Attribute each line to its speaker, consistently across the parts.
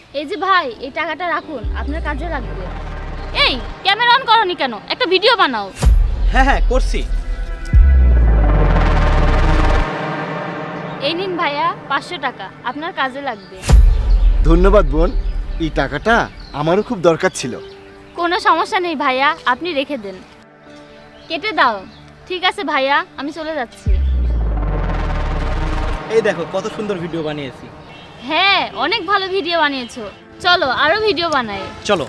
Speaker 1: এই যে ভাই, এই টাকাটা রাখুন, আপনার কাজে লাগবে। এই ক্যামেরা অন করনি কেন? একটা ভিডিও বানাও।
Speaker 2: হ্যাঁ হ্যাঁ করছি।
Speaker 1: এই নিন ভাইয়া 500 টাকা, আপনার কাজে লাগবে।
Speaker 3: ধন্যবাদ বোন, এই টাকাটা আমারও খুব দরকার ছিল।
Speaker 1: কোনো সমস্যা নেই ভাইয়া, আপনি রেখে দেন। কেটে দাও। ঠিক আছে ভাইয়া, আমি চলে যাচ্ছি।
Speaker 2: এই দেখো কত সুন্দর ভিডিও বানিয়েছি।
Speaker 1: হ্যাঁ, অনেক ভালো ভিডিও বানিয়েছো। চলো আরো ভিডিও বানাই।
Speaker 2: চলো।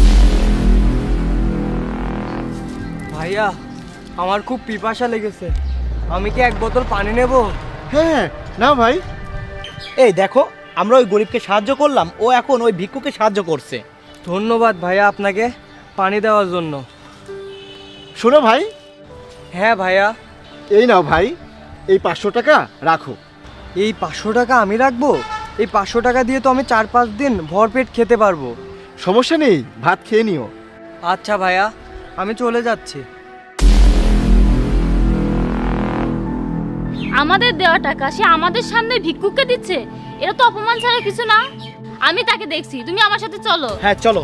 Speaker 4: ভাইয়া, আমার খুব পিপাসা লেগেছে, আমি কি এক বোতল পানি নেব?
Speaker 3: হ্যাঁ না ভাই।
Speaker 2: এই দেখো, আমরা ওই গরিবকে সাহায্য করলাম, ও এখন ওই ভিক্ষুকে সাহায্য করছে।
Speaker 4: ধন্যবাদ ভাইয়া আপনাকে পানি দেওয়ার জন্য।
Speaker 3: শোনো ভাই,
Speaker 4: হ্যাঁ ভাইয়া।
Speaker 3: এই নাও ভাই, এই 500 টাকা রাখো।
Speaker 4: এই 500 টাকা আমি রাখবো? এই 500 টাকা দিয়ে তো আমি 4-5 দিন ভরপেট খেতে পারবো।
Speaker 3: সমস্যা নেই, ভাত খেয়ে নিও।
Speaker 4: আচ্ছা ভাইয়া, আমি চলে যাচ্ছি।
Speaker 1: আমাদের দেওয়া টাকা সে আমাদের সামনে ভিক্ষুককে দিচ্ছে, এটা তো অপমান ছাড়া কিছু না। আমি তাকে দেখছি, তুমি আমার সাথে চলো।
Speaker 2: হ্যাঁ চলো।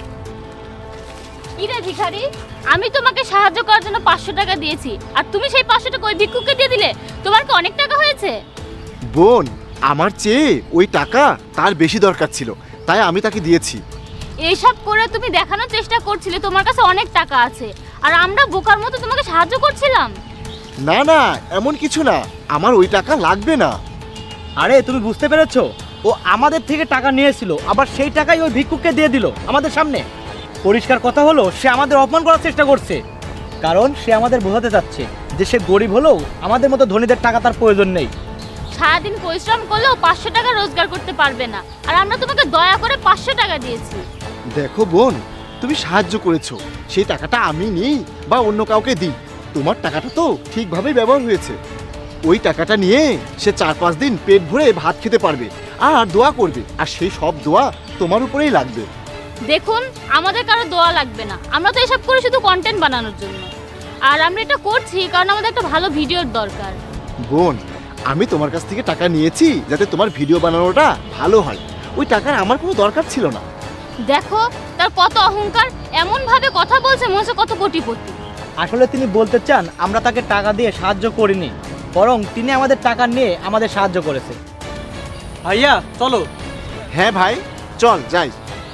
Speaker 1: কি রে ভিখারি, আমি তোমাকে সাহায্য করার জন্য 500 টাকা দিয়েছি, আর তুমি সেই 500 টাকা ওই ভিক্ষুককে দিয়ে দিলে। তোমার কি অনেক টাকা হয়েছে?
Speaker 3: বোন, আমার চেয়ে ওই টাকা তার বেশি দরকার ছিল, তাই আমি তাকে দিয়েছি।
Speaker 1: এইসব করে তুমি দেখানোর চেষ্টা করছিলে তোমার কাছে অনেক টাকা আছে, আর আমরা বোকার মতো তোমাকে সাহায্য করছিলাম।
Speaker 3: না না, এমন কিছু না, আমার ওই টাকা লাগবে না।
Speaker 2: আরে তুমি বুঝতে পেরেছো, ও আমাদের থেকে টাকা নিয়েছিল, আবার সেই টাকাই ওই ভিক্ষুককে দিয়ে দিল আমাদের সামনে। পরিষ্কার কথা হলো, সে আমাদের অপমান করার চেষ্টা করছে, কারণ সে আমাদের বোঝাতে চাচ্ছে যে সে গরিব হলেও আমাদের মতো ধনীদের টাকা তার প্রয়োজন নেই।
Speaker 1: সারাদিন পরিশ্রম করলেও 500 টাকা রোজগার করতে পারবে না, আর আমরা তোমাকে দয়া করে 500 টাকা দিয়েছি।
Speaker 3: দেখো বোন, তুমি সাহায্য করেছো, সেই টাকাটা আমি নিই বা অন্য কাউকে দিই, তোমার টাকাটা তো ঠিকভাবেই ব্যবহার হয়েছে। ওই টাকাটা নিয়ে সে 4-5 দিন পেট ভরে ভাত খেতে পারবে আর দোয়া করবে, আর সেই সব দোয়া তোমার উপরেই লাগবে।
Speaker 1: দেখুন, আমাদের কারো দোয়া লাগবে না, আমরা তো এসব করি শুধু কন্টেন্ট বানানোর জন্য, আর আমরা এটা করছি কারণ আমাদের একটা ভালো ভিডিওর দরকার।
Speaker 3: বোন, আমি তোমার কাছ থেকে টাকা নিয়েছি যাতে তোমার ভিডিও বানানোটা ভালো হয়, ওই টাকার আমার কোনো দরকার ছিল না।
Speaker 1: দেখো তার কত অহংকার, এমন ভাবে কথা বলছে মনে হচ্ছে কত কোটিপতি।
Speaker 2: আসলে তিনি বলতে চান আমরা তাকে টাকা দিয়ে সাহায্য করিনি, বরং তিনি আমাদের টাকা নিয়ে আমাদের সাহায্য করেছে।
Speaker 4: ভাইয়া চলো।
Speaker 3: হ্যাঁ ভাই, চল যাই।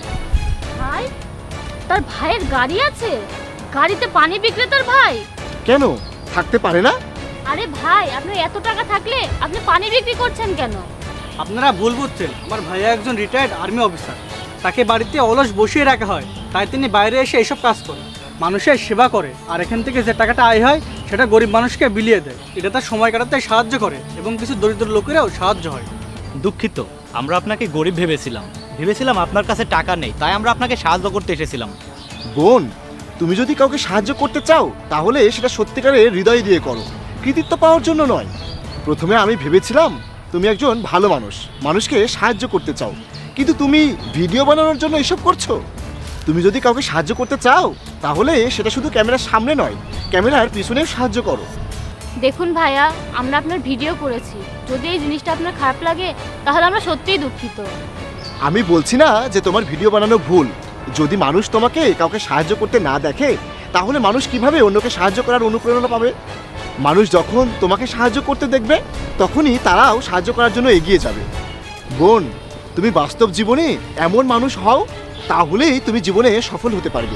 Speaker 1: ভাই, তার ভাইয়ের গাড়ি আছে, গাড়িতে পানি বিক্রেতার ভাই।
Speaker 3: কেন থাকতে পারে না?
Speaker 1: আরে ভাই, আপনার এত টাকা থাকলে আপনি পানি বিক্রি করছেন কেন?
Speaker 4: আপনারা ভুল বুঝছেন, আমার ভাইয়া একজন রিটায়ার্ড আর্মি অফিসার, তাকে বাড়িতে অলস বসিয়ে রাখা হয়, তাই তিনি বাইরে এসে এসব কাজ করে, মানুষের সেবা করে, আর এখান থেকে যে টাকাটা আয় হয় সেটা গরিব মানুষকে বিলিয়ে দেয়। এটা তার সময় কাটাতে সাহায্য করে এবং কিছু দরিদ্র লোকেরাও সাহায্য হয়।
Speaker 5: দুঃখিত, আমরা আপনাকে গরিব ভেবেছিলাম আপনার কাছে টাকা নেই, তাই আমরা আপনাকে সাহায্য করতে এসেছিলাম।
Speaker 3: বোন, তুমি যদি কাউকে সাহায্য করতে চাও তাহলে সেটা সত্যিকারের হৃদয় দিয়ে করো, কৃতিত্ব পাওয়ার জন্য নয়। প্রথমে আমি ভেবেছিলাম তুমি একজন ভালো মানুষ, মানুষকে সাহায্য করতে চাও, কিন্তু তুমি ভিডিও বানানোর জন্য এসব করছো। তুমি যদি কাউকে সাহায্য করতে চাও তাহলে সেটা শুধু ক্যামেরার সামনে নয়, ক্যামেরার পিছনেও সাহায্য করো।
Speaker 1: দেখুন ভাইয়া, আমরা আপনার ভিডিও করেছি, যদি এই জিনিসটা আপনার খারাপ লাগে তাহলে আমরা সত্যিই দুঃখিত।
Speaker 3: আমি বলছি না যে তোমার ভিডিও বানানো ভুল, যদি মানুষ তোমাকে কাউকে সাহায্য করতে না দেখে তাহলে মানুষ কিভাবে অন্যকে সাহায্য করার অনুপ্রেরণা পাবে? মানুষ যখন তোমাকে সাহায্য করতে দেখবে তখনই তারাও সাহায্য করার জন্য এগিয়ে যাবে। বোন, তুমি বাস্তব জীবনে এমন মানুষ হও, তাহলেই তুমি জীবনে সফল হতে পারবে।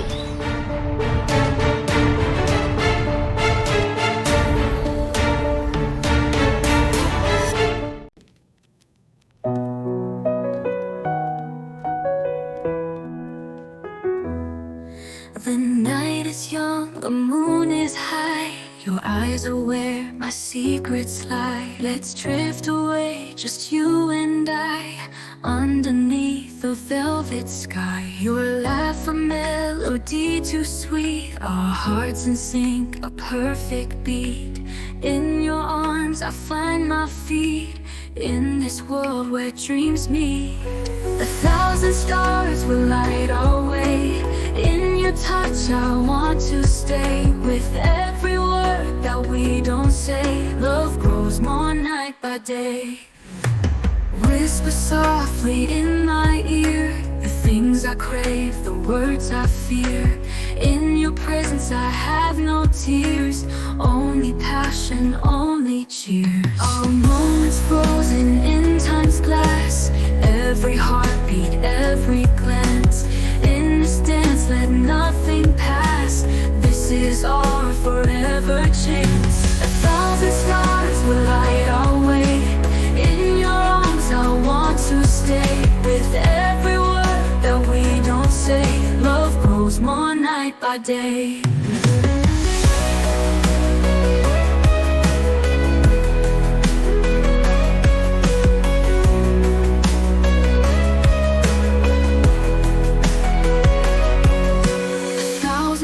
Speaker 6: The night is young, the moon is high. Your eyes are where my secrets lie. Let's drift away, just you and I, underneath the velvet sky. Your laugh a melody too sweet, our hearts in sync, a perfect beat. In your arms I find my feet, in this world where dreams meet. 1,000 stars will light our way. In your touch I want to stay. With every word that we don't say, love grows more night by day. Whisper softly in my ear, words I fear. In your presence I have no tears, only passion, only cheers. Our moments frozen in time's glass, every heartbeat, every glance. In this dance, let nothing pass. This is our forever chance. 1,000 stars will light our way. In your arms I want to stay. With every word that we don't say, love grows more night by day.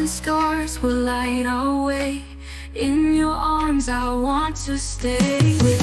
Speaker 6: Scars will light our way. In your arms I want to stay. With